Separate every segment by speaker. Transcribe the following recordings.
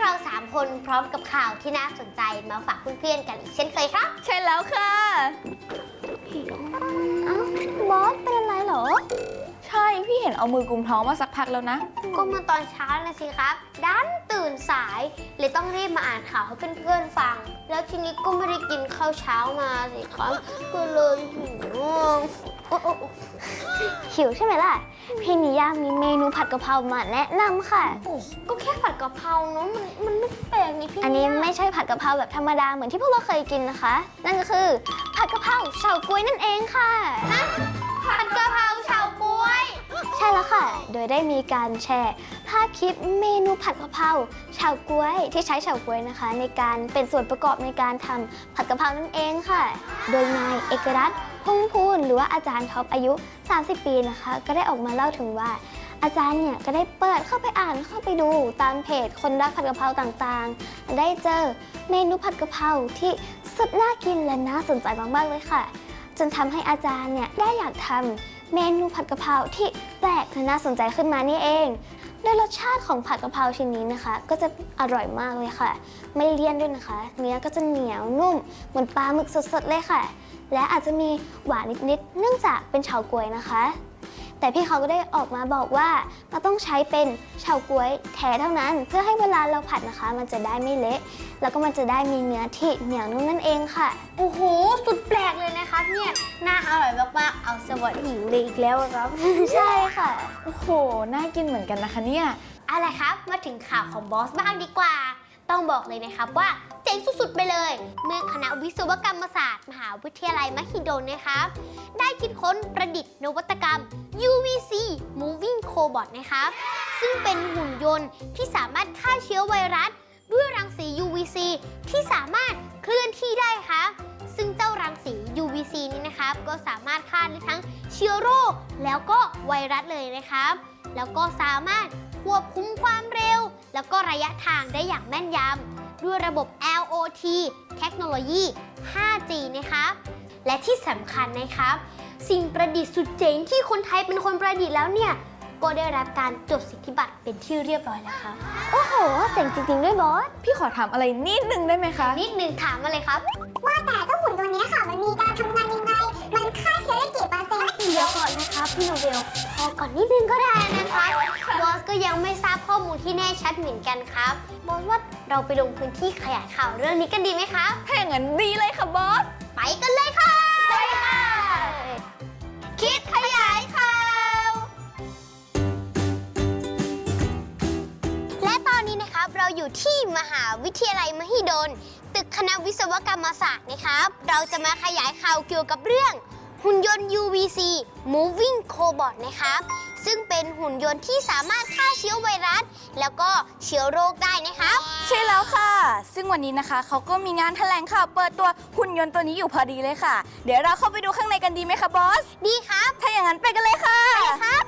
Speaker 1: เรา3คนพร้อมกับข่าวที่น่าสนใจมาฝากเพื่อนๆกันอีกเช่นเคยครับ
Speaker 2: ใช่แล้วค่ะ
Speaker 3: บอสเป็นอะไรเหรอ
Speaker 2: ใช่พี่เห็นเอามือกุมท้องมาสักพักแล้วนะ
Speaker 1: ก็เมื่อตอนเช้านะสิครับดันตื่นสายเลยต้องรีบมาอ่านข่าวให้เพื่อนๆฟังแล้วทีนี้ก็ไม่ได้กินข้าวเช้ามาสิครับก็เลย
Speaker 3: หิวใช่ไหมล่ะพี่นิยามีเมนูผัดกะเพรามาแนะนำค่ะ
Speaker 1: ก็แค่ผัดกะเพราเนาะมันไม่แปลกนี่พี่
Speaker 3: อันนี้ไม่ใช่ผัดกะเพราแบบธรรมดาเหมือนที่พวกเราเคยกินนะคะนั่นก็คือผัดกะเพราเฉาก๊วยนั่นเองค่ะ
Speaker 1: ผัดกะเพราเฉาก๊วย
Speaker 3: ใช่แล้วค่ะโดยได้มีการแชร์ภาพคลิปเมนูผัดกะเพราเฉาก๊วยที่ใช้เฉาก๊วยนะคะในการเป็นส่วนประกอบในการทำผัดกะเพรานั่นเองค่ะโดยนายเอกรัตน์พงษ์พูนหรือว่าอาจารย์ท็อปอายุ30 ปีนะคะก็ได้ออกมาเล่าถึงว่าอาจารย์เนี่ยก็ได้เปิดเข้าไปอ่านเข้าไปดูตามเพจคนรักผัดกะเพราต่างๆได้เจอเมนูผัดกะเพราที่สุดน่ากินและน่าสนใจมากๆเลยค่ะจนทำให้อาจารย์เนี่ยได้อยากทำเมนูผัดกะเพราที่แปลกและน่าสนใจขึ้นมานี่เองโดยรสชาติของผัดกะเพราชิ้นนี้นะคะก็จะอร่อยมากเลยค่ะไม่เลี่ยนด้วยนะคะเนื้อก็จะเหนียวนุ่มเหมือนปลาหมึกสดๆเลยค่ะและอาจจะมีหวานนิดๆเนื่องจากเป็นเฉาก๊วยนะคะแต่พี่เขาก็ได้ออกมาบอกว่าเราต้องใช้เป็นเฉาก๊วยแท้เท่านั้นเพื่อให้เวลาเราผัดนะคะมันจะได้ไม่เละแล้วก็มันจะได้มีเนื้อที่เหนียวนุ่มนั่นเองค่ะ
Speaker 1: โอ้โหสุดแปลกเลยนะคะเนี่ยน่าอร่อยมากๆเอาสวัสดีเลยอีกแล้วครับ
Speaker 3: ใช่ค่ะ
Speaker 2: โอ้โหน่ากินเหมือนกันนะคะเนี่ย
Speaker 1: อะไรครับมาถึงข่าวของบอสบ้างดีกว่าต้องบอกเลยนะครับว่าเจ๋งสุดๆไปเลยเมื่อคณะวิศวกรรมศาสตร์มหาวิทยาลัยมหิดลนะครับได้คิดค้นประดิษฐ์นวัตกรรม UVC Moving Cobot นะครับซึ่งเป็นหุ่นยนต์ที่สามารถฆ่าเชื้อไวรัสด้วยรังสี UVC ที่สามารถเคลื่อนที่ได้ครับซึ่งเจ้ารังสี UVC นี้นะครับก็สามารถฆ่าได้ทั้งเชื้อโรคแล้วก็ไวรัสเลยนะครับแล้วก็สามารถควบคุมความเร็วแล้วก็ระยะทางได้อย่างแม่นยำด้วยระบบ LOT เทคโนโลยี 5G นะครับและที่สำคัญนะครับสิ่งประดิษฐ์สุดเจ๋งที่คนไทยเป็นคนประดิษฐ์แล้วเนี่ยก็ได้รับการจดสิทธิบัตรเป็นที่เรียบร้อยแล้วครับ
Speaker 3: โอ้โหเจ๋งจริงๆด้วยบอส
Speaker 2: พี่ขอถามอะไรนิดนึงได้ไหมคะ
Speaker 1: นิดนึงถามมาเลยครับ
Speaker 4: ว่าแต่เจ้าหุ่นตัวนี้ค่ะมันมีการทำงานยังไงมันฆ่าเชื้อได้กี่เปอร์เซ็นต์
Speaker 1: เดี๋ยวก่อนนะครับพี่โนเบลพอก่อนนิดนึงก็ได้นะคะบอสก็ยังไม่ทราบข้อมูลที่แน่ชัดเหมือนกันครับบอสว่าเราไปลงพื้นที่ขยายข่าวเรื่องนี้กันดีไหมครับ
Speaker 2: ถ้าอย่างนั้นดีเลยค่ะบอส
Speaker 1: ไปกันเลยค่ะไปค่ะคิดขยายข่าวและตอนนี้นะครับเราอยู่ที่มหาวิทยาลัยมหิดลตึกคณะวิศวกรรมศาสตร์นะครับเราจะมาขยายข่าวเกี่ยวกับเรื่องหุ่นยนต์ UVC Moving Cobot นะครับซึ่งเป็นหุ่นยนต์ที่สามารถฆ่าเชื้อไวรัสแล้วก็เชื้อโรคได้นะครับ
Speaker 2: ใช่แล้วค่ะซึ่งวันนี้นะคะเขาก็มีงานแถลงข่าวเปิดตัวหุ่นยนต์ตัวนี้อยู่พอดีเลยค่ะเดี๋ยวเราเข้าไปดูข้างในกันดีไหมคะบอส
Speaker 1: ดีครับ
Speaker 2: ถ้าอย่างนั้นไปกันเลยค่ะ
Speaker 1: ไปครับ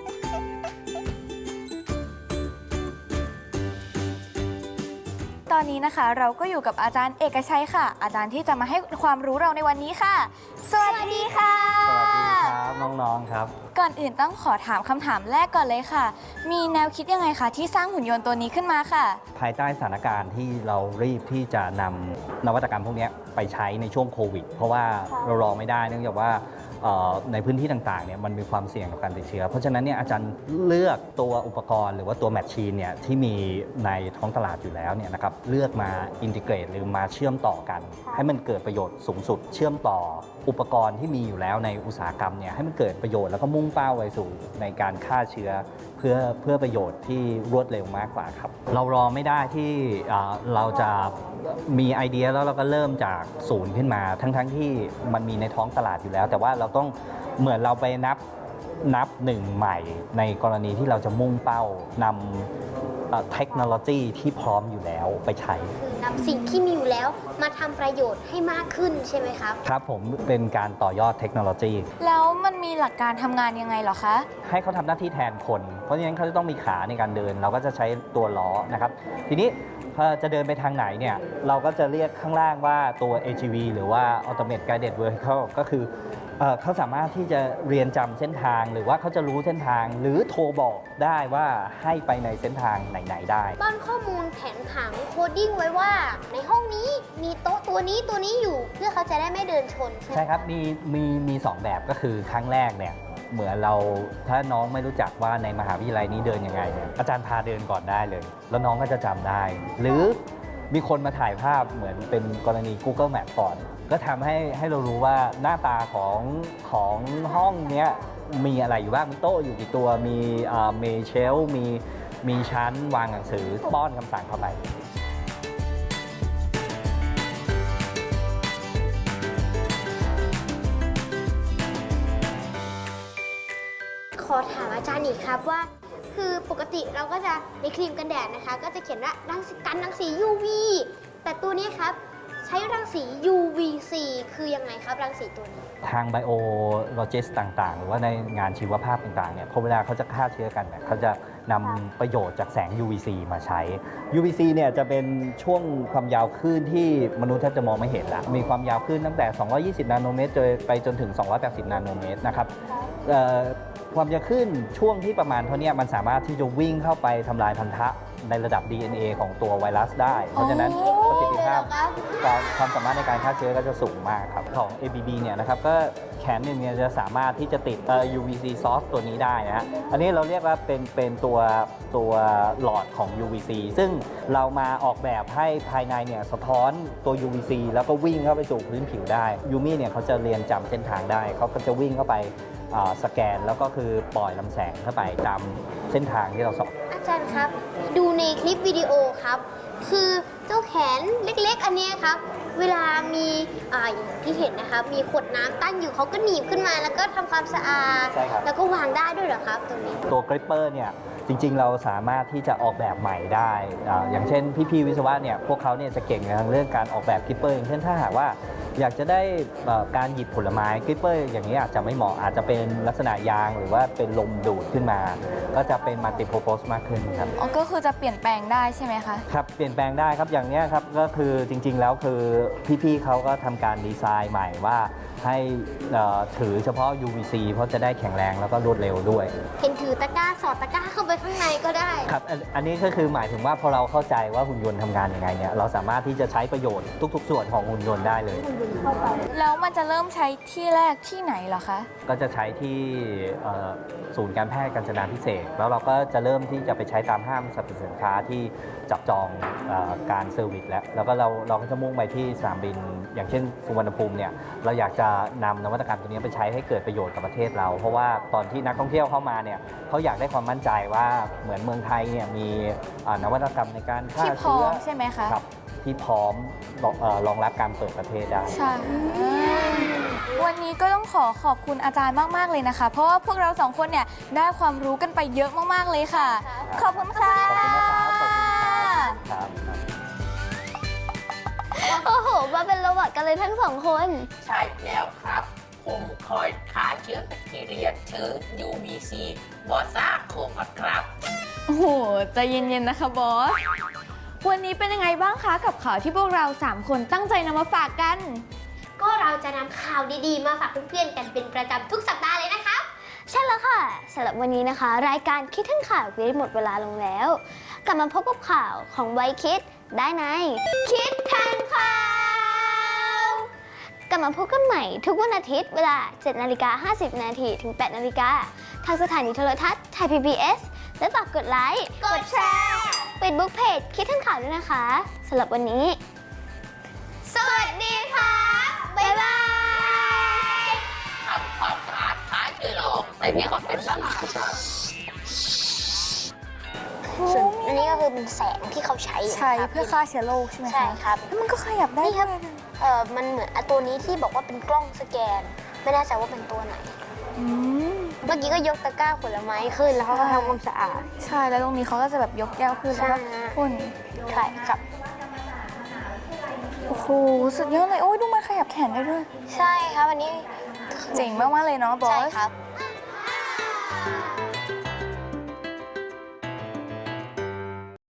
Speaker 2: ตอนนี้นะคะเราก็อยู่กับอาจารย์เอกชัยค่ะอาจารย์ที่จะมาให้ความรู้เราในวันนี้ค่ะสวัสดีค่ะ
Speaker 5: สวัสดีครับน้องๆครับ
Speaker 2: ก่อนอื่นต้องขอถามคำถามแรกก่อนเลยค่ะมีแนวคิดยังไงคะที่สร้างหุ่นยนต์ตัวนี้ขึ้นมาค่ะ
Speaker 5: ภายใต้สถานการณ์ที่เรารีบที่จะนำนวัตกรรมพวกนี้ไปใช้ในช่วงโควิดเพราะว่าเรารอไม่ได้เนื่องจากว่าในพื้นที่ต่างๆเนี่ยมันมีความเสี่ยงกับการติดเชื้อเพราะฉะนั้นเนี่ยอาจารย์เลือกตัวอุปกรณ์หรือว่าตัวแมชชีนเนี่ยที่มีในท้องตลาดอยู่แล้วเนี่ยนะครับเลือกมาอินทิเกรตหรือมาเชื่อมต่อกันให้มันเกิดประโยชน์สูงสุดเชื่อมต่ออุปกรณ์ที่มีอยู่แล้วในอุตสาหกรรมเนี่ยให้มันเกิดประโยชน์แล้วก็มุ่งเป้าไปสู่ในการฆ่าเชื้อเพื่อประโยชน์ที่รวดเร็วมากกว่าครับเรารอไม่ได้ที่เราจะมีไอเดียแล้วเราก็เริ่มจากศูนย์ขึ้นมาทั้งที่มันมีในท้องตลาดอยู่แล้วแต่ว่าเราต้องเหมือนเราไปนับหนึ่งใหม่ในกรณีที่เราจะมุ่งเป้านำเทคโนโลยีที่พร้อมอยู่แล้วไปใช้
Speaker 1: คือนำสิ่งที่มีอยู่แล้วมาทำประโยชน์ให้มากขึ้นใช่ไหมครับ
Speaker 5: ครับผมเป็นการต่อยอดเทคโนโลยี
Speaker 2: แล้วมันมีหลักการทำงานยังไงเหรอคะ
Speaker 5: ให้เขาทำหน้าที่แทนคนเพราะฉะนั้นเขาจะต้องมีขาในการเดินเราก็จะใช้ตัวล้อนะครับทีนี้พอจะเดินไปทางไหนเนี่ยเราก็จะเรียกข้างล่างว่าตัว AGV หรือว่า Automated Guided Vehicle ก็คือเขาสามารถที่จะเรียนจำเส้นทางหรือว่าเขาจะรู้เส้นทางหรือโทรบอกได้ว่าให้ไปในเส้นทางไหนๆได้
Speaker 1: ป้อนข้อมูลแผนผังโคดดิ้งไว้ว่า ในห้องนี้มีโต๊ะตัวนี้อยู่ เพื่อเขาจะได้ไม่เดินชนใช่ไหม
Speaker 5: ใช่ครับมีสองแบบก็คือครั้งแรกเนี่ยเหมือนเราถ้าน้องไม่รู้จักว่าในมหาวิทยาลัยนี้เดินยังไงเนี่ยอาจารย์พาเดินก่อนได้เลย แล้วน้องก็จะจำได้ หรือมีคนมาถ่ายภาพเหมือนเป็นกรณี Google Map ก่อน ก็ทำให้เรารู้ว่าหน้าตาของห้องเนี้ยมีอะไรอยู่บ้าง มีโต๊ะอยู่กี่ตัว มีเชลฟ์มีชั้นวางหนังสือป้อนคำสั่งเข้าไป
Speaker 1: ขอถามอาจารย์อีกครับว่า คือปกติเราก็จะในครีมกันแดดนะคะ ก็จะเขียนว่ารังสี UV แต่ตัวนี้ครับใช้รังสี UVC คือยังไงครับรังสีตัวนี้
Speaker 5: ทางไบโอโลจิสต่างๆ หรือว่าในงานชีวภาพต่างๆเนี่ยพอเวลาเขาจะฆ่าเชื้อกันเนี่ยเขาจะนำประโยชน์จากแสง UVC มาใช้ UVC เนี่ยจะเป็นช่วงความยาวคลื่นที่มนุษย์แทบจะมองไม่เห็นละมีความยาวคลื่นตั้งแต่ 220 นาโนเมตรไปจนถึง 280 นาโนเมตรนะครับความยาวคลื่นช่วงที่ประมาณเท่านี้มันสามารถที่จะวิ่งเข้าไปทำลายพันธะในระดับ DNA ของตัวไวรัสได้ เพราะฉะนั้นประสิทธิภาพความสามารถในการฆ่าเชื้อก็จะสูงมากครับของ ABB เนี่ยนะครับก็แขนหนึ่งเนี่ยจะสามารถที่จะติดUVC source ตัวนี้ได้นะฮะอันนี้เราเรียกว่าเป็นตัวหลอดของ UVC ซึ่งเรามาออกแบบให้ภายในเนี่ยสะท้อนตัว UVC แล้วก็วิ่งเข้าไปสู่พื้นผิวได้ยูมี่เนี่ยเขาจะเรียนจำเส้นทางได้เขาก็จะวิ่งเข้าไปสแกนแล้วก็คือปล่อยลำแสงเข้าไปตามเส้นทางที่เราสอน
Speaker 1: อาจารย์ครับดูในคลิปวิดีโอครับ คือเจ้าแขนเล็กๆ อันเนี้ยครับ เวลามีอย่างที่เห็นนะครับ มีขวดน้ำตั้งอยู่เขาก็หนีบขึ้นมาแล้วก็ทำความสะอาด
Speaker 5: ใช่ครับ
Speaker 1: แล้วก็วางได้ด้วยเหรอครับตรงนี้
Speaker 5: ตัวกริปเปอร์เนี่ยจริงๆเราสามารถที่จะออกแบบใหม่ได้อย่างเช่นพี่ๆวิศวะเนี่ยพวกเขาเนี่ยจะเก่งในเรื่องการออกแบบกริปเปอร์อย่างเช่นถ้าหากว่าอยากจะได้การหยิบผลไม้กริปเปอร์อย่างนี้อาจจะไม่เหมาะอาจจะเป็นลักษณะยางหรือว่าเป็นลมดูดขึ้นมา ก็จะเป็นมัลติโพรโพสมากขึ้นครับ
Speaker 2: อ๋อก็คือจะเปลี่ยนแปลงได้ใช่ไหมคะ
Speaker 5: ครับเปลี่ยนแปลงได้ครับอย่างนี้ครับก็คือจริงๆแล้วคือพี่ๆเขาก็ทำการดีไซน์ใหม่ว่าให้ถือเฉพาะ UVC เพราะจะได้แข็งแรงแล้วก็รวดเร็วด้วย
Speaker 1: เห็นถือตะกร้าสอดตะกร้าเข้าไปข้างในก็ได้
Speaker 5: ครับอันนี้ก็คือหมายถึงว่าพอเราเข้าใจว่าหุ่นยนต์ทำงานยังไงเนี่ยเราสามารถที่จะใช้ประโยชน์ทุกๆส่วนของหุ่นยนต์ได้เลย
Speaker 2: แล้วมันจะเริ่มใช้ที่แรกที่ไหนเหรอคะ
Speaker 5: ก็จะใช้ที่ศูนย์การแพทย์กาญจนาภิเษกแล้วเราก็จะเริ่มที่จะไปใช้ตามห้างสรรพสินค้าที่จับจองการเซอร์วิสแล้วก็เราก็จะมุ่งไปที่สนามบิน อย่างเช่นสุวรรณภูมิเนี่ยเราอยากจะนำนวัตกรรมตัวนี้ไปใช้ให้เกิดประโยชน์กับประเทศเรา เพราะว่าตอนที่นักท่องเที่ยวเข้ามาเนี่ยเขาอยากได้ความมั่นใจว่าเหมือนเมืองไทยเนี่ยมีนวัตกรรมในการฆ่า
Speaker 2: ที่พร้อ
Speaker 5: เชื้อ
Speaker 2: มใช่ไหมคะ
Speaker 5: ครับที่พร้อมรองรับการเปิดประเทศได้
Speaker 2: ใช่ วันนี้ก็ต้องขอบคุณอาจารย์มากๆเลยนะคะ เพราะว่าพวกเราสองคนเนี่ยได้ความรู้กันไปเยอะมากๆเลยค่ะ ขอบคุณค่ะ
Speaker 5: ขอบคุณนะครับขอบคุณครับ
Speaker 3: โอ้โห มาเป็นโรบอทกันเลยทั้งสองคน
Speaker 6: ใช่แล้วครับ ผมคอยฆ่าเชื้อแบคทีเรียถือ UVC บอซ่าโคมครับ
Speaker 2: โอ้โห ใจเย็นๆนะคะบอส วันนี้เป็นยังไงบ้างคะกับข่าวที่พวกเรา 3 คนตั้งใจนำมาฝากกัน
Speaker 1: ก็เราจะนำข่าวดีๆ มาฝากเพื่อนๆกันเป็นประจำทุกสัปดาห์เลยนะครับ
Speaker 3: ใช่แล้วค่ะสำหรับวันนี้นะคะ รายการคิดทั้งข่าวได้หมดเวลาลงแล้ว กลับมาพบกับข่าวของไวคิดได้ในคิดทันข่าวกลับมาพบกันใหม่ทุกวันอาทิตย์เวลา 7:50 นาทีถึง 8 นาฬิกาทางสถานีโทรทัศน์ไทย PBS และฝากกดไลค์กดแชร์Facebook Page คิดทั้งข่าวด้วยนะคะสำหรับวันนี้
Speaker 1: สวัสดีค่ะบ๊ายบาย
Speaker 6: ทำความสะอาดท้ายคือโลกแต่เนี่ยก็เป็นสลาด
Speaker 1: อันนี้ก็คือเป็นแสงที่เขาใช้
Speaker 2: ใช้เพื่อฆ่าเชื้อโรคใช่ไหมคะ
Speaker 1: ใช่ครับ
Speaker 2: แล้วมันก็ขยับได้
Speaker 1: นี่ครับ
Speaker 2: ด้วยนะ
Speaker 1: มันเหมือนตัวนี้ที่บอกว่าเป็นกล้องสแกน ไม่แน่ใจว่าเป็นตัวไหน
Speaker 2: อืม
Speaker 1: เมื่อกี้ก็ยกตะกร้าผลไม้ขึ้นแล้วเขาก็ทำความสะอาด
Speaker 2: ใช่ แล้วตรงนี้เขาก็จะแบบยกแก้วขึ้นแล้วก็
Speaker 1: ใช่ฮะ
Speaker 2: พ่น
Speaker 1: ใช่ครับ
Speaker 2: โอ้โห สุดยอดเลย โอ้ยดูมันขยับแขนได้ด้วย
Speaker 1: ใช่ครับอันนี้
Speaker 2: เจ๋งมากๆเลยเนาะบอ
Speaker 1: ใช่
Speaker 2: ส
Speaker 1: ครับ